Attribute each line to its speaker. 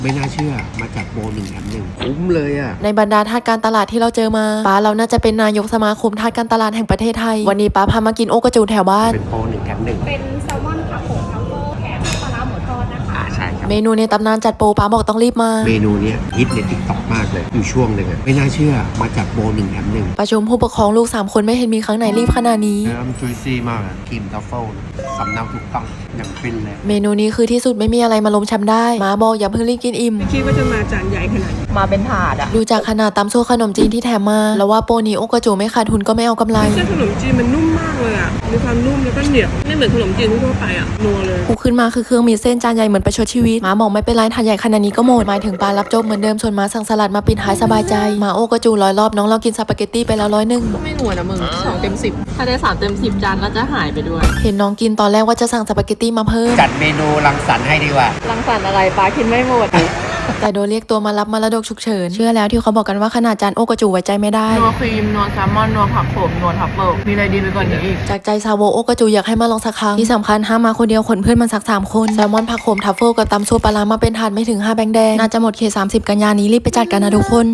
Speaker 1: ไม่น่าเชื่อมาจากโบ1 แถม 1คุ้มเลยอ่ะ
Speaker 2: ในบรรดาทาสการตลาดที่เราเจอมาป้าเราน่าจะเป็นนายกสมาคมทาสการตลาดแห่งประเทศไทยวันนี้ป้าพามากินโอกระจูแถวบ้าน
Speaker 1: เป็นโบ1 แถม 1
Speaker 3: เป็นแซลมอนผักโขมทัฟเฟิลแถมปลาร้าหมูทอดนะคะ
Speaker 1: ใช่ครับ
Speaker 2: เมนูในตำนานจัดโปรป้าบอกต้องรีบมา
Speaker 1: เมนูเนี้ยฮิตในติ๊กต็อกมากเลยอยู่ช่วงหนึ่งอ่ะไม่น่าเชื่อมาจากโบ1 แถม 1
Speaker 2: ประชุมผู้ปกครองลูก3คนไม่เห็นมีครั้งไหนรีบขนาดนี้
Speaker 1: เนื้อมันจุยซี่มากครีมทัฟเฟิลสำเนาถูกต้องอย่างฟินเลย
Speaker 2: เมนูนี้คือที่สุดไม่มีอะไรมาล้มแชมป์ได้มาบอกอย่าเพิ่งรีบกินอิ่ม
Speaker 4: ไม่คิดว่าจะมาจานใหญ่ขนาดนี้
Speaker 3: มาเป็นถาดอะ
Speaker 2: ดูจากขนาดตำโซ่ขนมจีนที่แถมมาแล้วว่าโปรนี้โอกระจูไม่ขาดทุนก็ไม่เอากำไร
Speaker 4: เส้นขนมจีนมันนุ่มมากเลยอ่ะมีความนุ่มแล้วก็เหนียวไม่เหมือนขนมจีนทั่วไปอ่ะนัวเลย
Speaker 2: ผูกขึ้นมาคือเครื่องมีเส้นจานใหญ่เหมือนประชดชีวิตมาบอกไม่เป็นไรถาดใหญ่ขนาดนี้ก็หมดหมายถึงปลารับโจ๊กเหมือนเดิมส่วนมาสั่งสลัดมาปิดท้ายสบายใจมาโอกระจู100 รอบน้องเรากินสปาเกตตี้ไปแล้ว101
Speaker 3: ไม่หนวดอะมึง2 เต็ม 10ถ้าได้3 เต็ม 10จานก็จะหายไปด้วย
Speaker 2: เห็นน้องกินตอนแรกว่าจะสั่งสปาเกตตี้มาเพิ่ม
Speaker 1: จัดเมนูรังสรรค์ให้ดีกว่า
Speaker 3: รังสรรค์อะไรปลากินไม่หมด
Speaker 2: แต่โดนเรียกตัวมารับมรดกฉุกเฉินเชื่อแล้วที่เขาบอกกันว่าขนาดจานโอกระจูไว้ใจไม่ได้
Speaker 3: นัวครีมนัวแซลมอนนัวผักโขมนัวทัฟเฟิลมีอะไรดีไปกว่านี้อีก
Speaker 2: จากใจซาโวโอกระจูอยากให้มาลองสักครั้งที่สำคัญห้ามมาคนเดียวขนเพื่อนมันสัก3 คนแซลมอนผักโขมทัฟเฟิลกับตำซุปปลาร้ามาเป็นถาดไม่ถึง5 แบงค์แดงน่าจะหมดเขต30 กันยานี้รีบไปจัดกันนะทุกคน